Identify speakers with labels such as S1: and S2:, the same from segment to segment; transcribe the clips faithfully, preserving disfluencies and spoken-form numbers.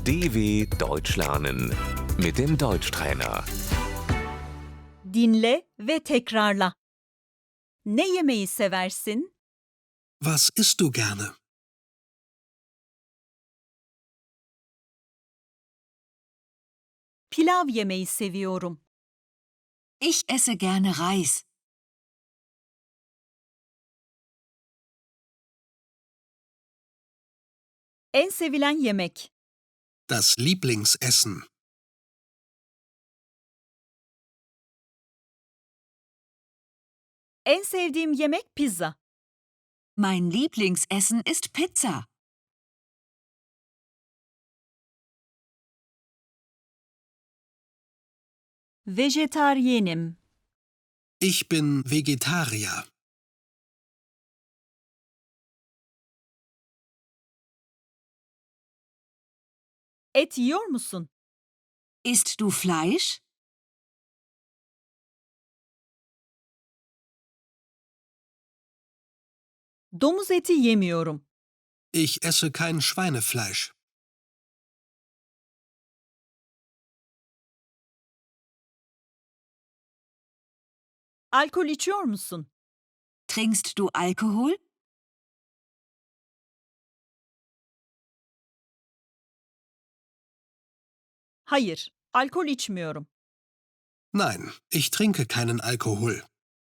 S1: D W Deutsch lernen mit dem Deutschtrainer.
S2: Dinle ve tekrarla. Ne yemeği seversin?
S3: Was isst du gerne?
S2: Pilav yemeyi seviyorum.
S4: Ich esse gerne Reis.
S2: En sevilen yemek.
S3: Das Lieblingsessen.
S2: En sevdiğim yemek pizza.
S4: Mein Lieblingsessen ist Pizza.
S2: Vejetaryenim.
S3: Ich bin Vegetarier.
S2: Et yiyor musun?
S4: Isst du Fleisch?
S2: Domuz eti yemiyorum.
S3: Ich esse kein Schweinefleisch.
S2: Alkol içiyor musun?
S4: Trinkst du Alkohol?
S2: Hayır, alkol içmiyorum.
S3: Nein, ich trinke keinen Alkohol.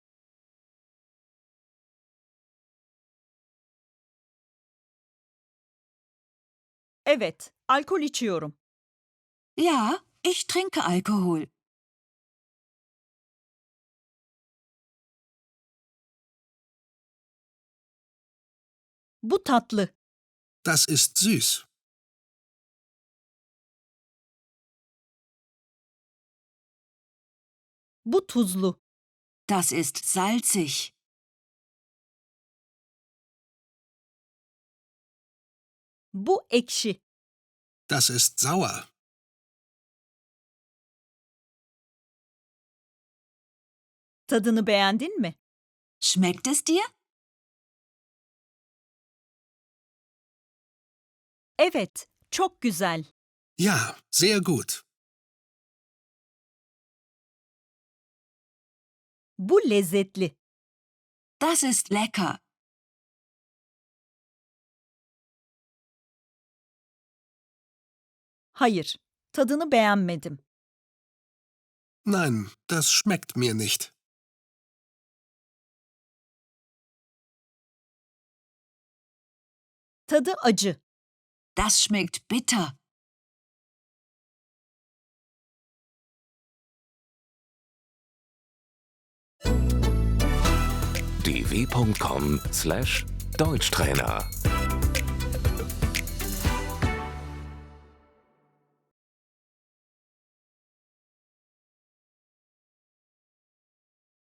S2: Evet, alkol içiyorum.
S4: Ja, ich trinke Alkohol.
S2: Bu tatlı.
S3: Das ist süß.
S2: Bu tuzlu.
S4: Das ist salzig.
S2: Bu ekşi.
S3: Das ist sauer.
S2: Tadını beğendin mi?
S4: Schmeckt es dir?
S2: Evet, çok güzel.
S3: Ja, sehr gut.
S2: Bu lezzetli.
S4: Das ist lecker.
S2: Hayır, tadını beğenmedim.
S3: Nein, das schmeckt mir nicht.
S2: Tadı acı.
S4: Das schmeckt bitter.
S1: d w punkt com slash Deutschtrainer